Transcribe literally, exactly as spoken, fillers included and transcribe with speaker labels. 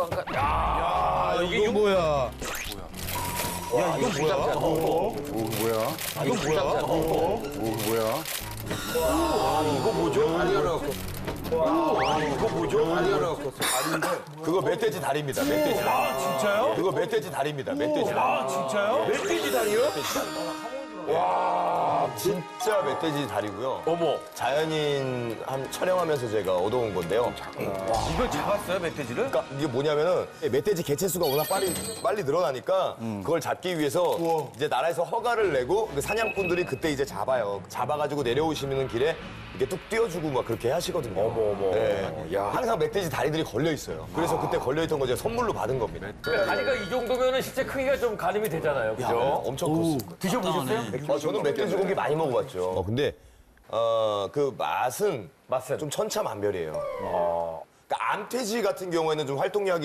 Speaker 1: 잠깐. 야, 이게
Speaker 2: 이거 뭐야?
Speaker 1: 야, 이거 뭐야?
Speaker 3: 오, 뭐야?
Speaker 1: 이거 뭐야?
Speaker 3: 오, 뭐야?
Speaker 1: 이거 뭐죠? 다리 하나 갖고. 와, 이거 뭐죠? 다리 하나 갖고.
Speaker 4: 그거 멧돼지 다리입니다. 멧돼지 다리.
Speaker 1: 아, 진짜요?
Speaker 4: 그거 멧돼지 다리입니다. 멧돼지 다리.
Speaker 1: 아, 진짜요? 멧돼지 다리요?
Speaker 4: 와, 진짜 멧돼지 다리고요.
Speaker 1: 어머.
Speaker 4: 자연인 한 촬영하면서 제가 얻어온 건데요.
Speaker 1: 이걸 잡았어요, 멧돼지를?
Speaker 4: 그러니까 이게 뭐냐면은 멧돼지 개체 수가 워낙 빨리 빨리 늘어나니까 그걸 잡기 위해서 이제 나라에서 허가를 내고 그 사냥꾼들이 그때 이제 잡아요. 잡아가지고 내려오시는 길에 이렇게 뚝 띄워주고 막 그렇게 하시거든요. 어머 어머. 네. 항상 멧돼지 다리들이 걸려 있어요. 그래서 그때 걸려 있던 거 제가 선물로 받은 겁니다.
Speaker 1: 다리가 이 정도면은 실제 크기가 좀 가늠이 되잖아요,
Speaker 4: 야,
Speaker 1: 그죠?
Speaker 4: 엄청 컸어요.
Speaker 1: 드셔보셨어요?
Speaker 4: 어, 저는 멧돼지 고기 많이 먹어봤죠. 어, 근데 어, 그 맛은
Speaker 1: 맛은?
Speaker 4: 좀 천차만별이에요. 그러니까 암돼지 같은 경우에는 좀 활동량이